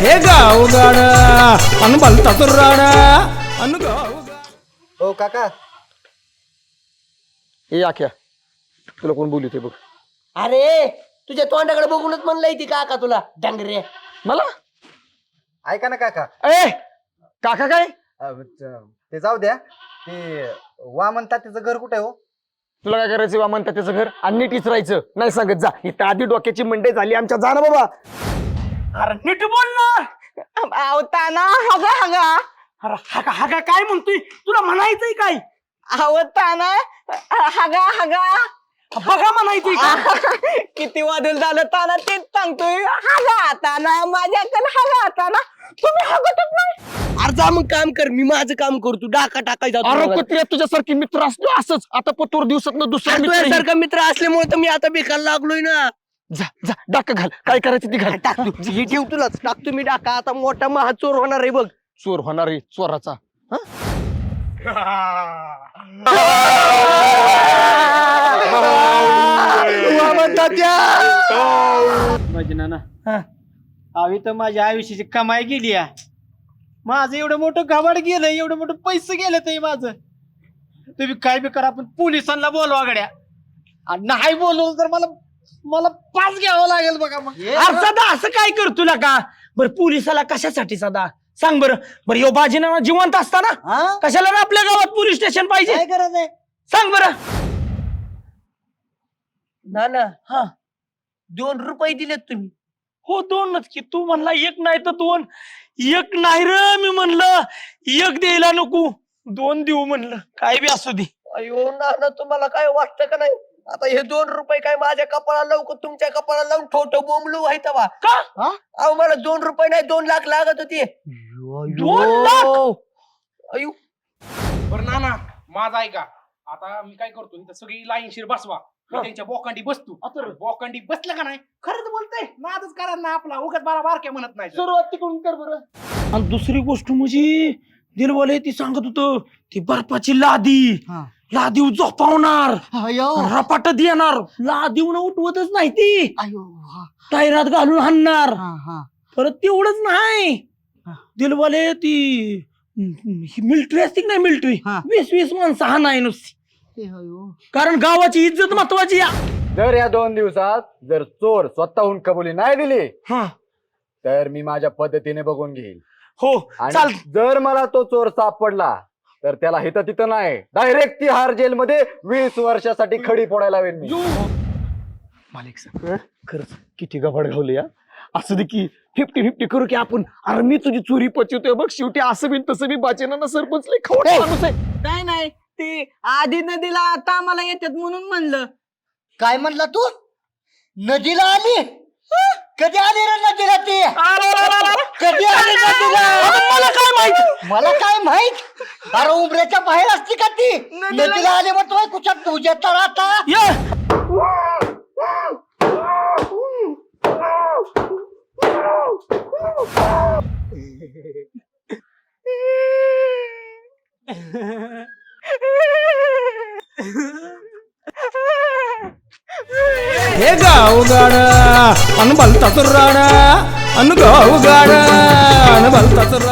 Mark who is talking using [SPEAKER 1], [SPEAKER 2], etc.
[SPEAKER 1] हे गाव गाड अन भलता तुर्राड अन गाव.
[SPEAKER 2] हो काका.
[SPEAKER 3] हे आख्या तुला कोण बोलू ते बघ.
[SPEAKER 4] अरे तुझ्या तोंडाकडे बघूनच म्हणलंय ती काका तुला डांगरे.
[SPEAKER 3] मला
[SPEAKER 2] ऐका ना काका.
[SPEAKER 3] ए काका काय
[SPEAKER 2] ते जाऊ द्या. ते वामन तात्याचं घर कुठे हो?
[SPEAKER 3] तुला काय करायचं वा म्हणतात त्याचं घर आणि नीट इचरायचं नाही सांगत जा. इथं आधी डोक्याची मंडई झाली आमच्या. जा ना बाबा.
[SPEAKER 1] अरे नीट बोल ना.
[SPEAKER 5] आवताना हगा हगा.
[SPEAKER 1] अरे हा हा काय म्हणतोय तुला म्हणायचंय काय?
[SPEAKER 5] आवताना हगा हगा.
[SPEAKER 1] बघा म्हणायचंय का?
[SPEAKER 5] किती वादळ झालं ताना तेच सांगतोय. हगा ताना माझ्याकडे हगा ताना तुम्ही हगतच नाही.
[SPEAKER 4] अरे जा मग काम कर, मी माझं काम करतो. डाका टाकायचा
[SPEAKER 3] अरे कुत्र्या तुझ्यासारखी मित्र असतो असंच. आता पतोर दिवसात दुसरा मित्र येईल.
[SPEAKER 4] सारखा मित्र असल्यामुळे तर मी आता बेकार लागलोय ना.
[SPEAKER 3] जा जा डाका घाल. काय करायचं ती घाल.
[SPEAKER 4] टाकतो हे ठेव तुलाच टाकतो मी डाका. आता मोठा महाचोर होणार आहे बघ.
[SPEAKER 3] चोर होणार आहे चोराचा.
[SPEAKER 1] माझी नाना आवी तर माझ्या आयुष्याची कमाई गेली. माझं एवढं मोठं घाबाड गेलं, एवढं मोठं पैसे गेलं ते माझं. तुम्ही काय बी करा पण पोलिसांना बोलवा गड्या. आणि नाही बोलवलं तर मला पास घ्यावं लागेल बघा. मग
[SPEAKER 6] सदा असं काय कर तुला का बर पोलिसाला कशासाठी सदा सांग बरं. बरं यो बाजीना जिवंत असताना कशाला ना आपल्या गावात पोलीस स्टेशन पाहिजे
[SPEAKER 1] काय करायचंय?
[SPEAKER 6] सांग बरं.
[SPEAKER 4] ना ना 2 रुपये दिलेत तुम्ही.
[SPEAKER 6] हो 2च की. तू म्हणला 1 नाही तर 2. 1 नाही र मी म्हणलं 1 द्यायला नको 2 देऊ म्हणलं. काय बी असू दे.
[SPEAKER 4] अयो ना तुम्हाला काय वाटतं का नाही? आता हे 2 रुपये काय माझ्या कपाळाला लावू तुमच्या कपाळाला लावून ठोठो बोंबलू व्हायचा वा
[SPEAKER 6] का
[SPEAKER 4] अहो मला 2 रुपये नाही 2 लाख लागत होते.
[SPEAKER 6] 2 लाख.
[SPEAKER 4] अयो
[SPEAKER 7] बरं नाना माझा ऐका. आता मी काय करतो इथं सगळी लाईनशीर बसवा. मी त्यांच्या बोकांडी बसतो. बोकांडी बसलं का नाही खरंच बोलतंय. नादच करा ना आपला. उगाच बारा बारक्या म्हणत नाही.
[SPEAKER 6] सुरुवात तिकडून कर बरं. आणि दुसरी गोष्ट म्हणजे दिलवाले ती सांगत होत ती बर्फाची लादी झोपावणार रपाट देणार. लादीवून उठवतच नाही ती. टायरात घालून हाणणार. परत तेवढंच नाही दिलवाले ती मिलिटरी असते नाही मिलिटरी 20-20 माणसं हा नाही नुसती. कारण गावाची इज्जत महत्वाची.
[SPEAKER 2] जर या 2 दिवसात जर चोर स्वतःहून कबुली नाही दिली तर मी माझ्या पद्धतीने बघून घेईल.
[SPEAKER 6] हो
[SPEAKER 2] आणि
[SPEAKER 6] चाल.
[SPEAKER 2] जर मला तो चोर सापडला तर त्याला हिथं तिथं नाही डायरेक्ट तिहार जेल मध्ये 20 वर्षासाठी खडी फोडायला लावेन मी.
[SPEAKER 3] मालिक साहेब खरंच किती गबाड घावले या. असं दे की 50-50 करू की आपण. अरे मी तुझी चोरी पचवतोय बघ. शेवटी असं बी तसं बी बाचेना सरपंच लय खवट माणूस आहे.
[SPEAKER 5] नाही नाही ते आधी नदीला आता आम्हाला येतात म्हणून म्हणलं.
[SPEAKER 4] काय म्हणला तू? नदीला आली? कधी आली रे नदीला ती? कधी आली नदीला? मला काय माहित? अरे उमऱ्याच्या बाहेर असती का ती? नदीला आली म्हणतोय कुठं तुझ्या तर आता
[SPEAKER 1] हे गाव गाड अन भलता तुर्राड अन गाव गाड अन भलता तुर्राड.